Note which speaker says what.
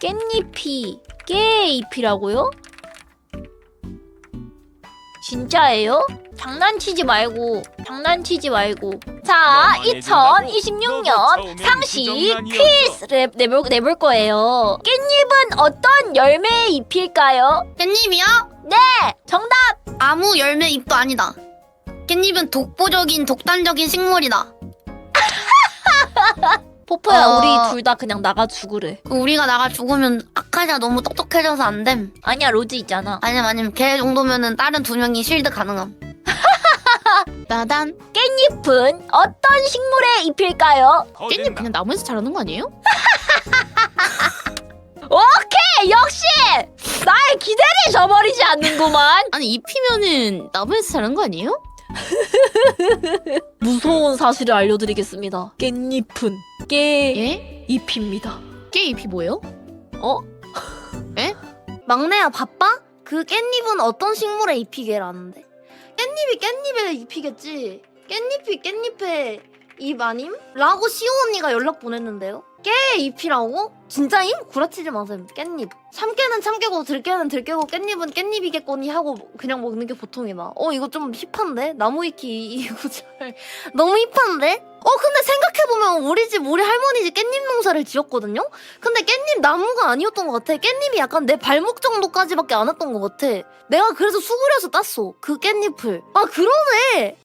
Speaker 1: 깻잎이 깨잎이라고요? 진짜예요? 장난치지 말고 자 2026년 상식 퀴즈 내볼 거예요. 깻잎은 어떤 열매의 잎일까요?
Speaker 2: 깻잎이요?
Speaker 1: 네! 정답!
Speaker 2: 아무 열매 잎도 아니다. 깻잎은 독보적인 독단적인 식물이다.
Speaker 1: 포포야
Speaker 2: 어.
Speaker 1: 우리 둘 다 그냥 나가 죽으래.
Speaker 2: 우리가 나가 죽으면 아카시아 너무 똑똑해져서 안 됨.
Speaker 1: 아니야 로즈 있잖아.
Speaker 2: 아니면 걔 정도면은 다른 두 명이 실드 가능함.
Speaker 3: 나단.
Speaker 1: 깻잎은 어떤 식물의 잎일까요?
Speaker 3: 깻잎 그냥 나무에서 자라는 거 아니에요?
Speaker 1: 오케이! 역시! 나의 기대를 저버리지 않는구만.
Speaker 3: 아니 잎이면은 나무에서 자라는 거 아니에요?
Speaker 1: 무서운 사실을 알려드리겠습니다. 깻잎은 깨잎입니다.
Speaker 3: 예? 깨잎이 뭐예요?
Speaker 1: 어?
Speaker 2: 막내야 바빠? 그 깻잎은 어떤 식물의 잎이게라는데? 깻잎이 깻잎의 잎이겠지. 깻잎이 깻잎의 잎 아님? 라고 시오 언니가 연락 보냈는데요. 깨의 잎이라고? 진짜임? 구라치지 마세요. 깻잎. 참깨는 참깨고 들깨는 들깨고 깻잎은 깻잎이겠거니 하고 그냥 먹는 게 보통이다. 이거 좀 힙한데? 나무위키 이 구절 너무 힙한데? 근데 생각해보면 우리 집 우리 할머니 집 깻잎 농사를 지었거든요? 근데 깻잎 나무가 아니었던 것 같아. 깻잎이 약간 내 발목 정도까지밖에 안 왔던 것 같아. 내가 그래서 수그려서 땄어. 그 깻잎을. 아 그러네.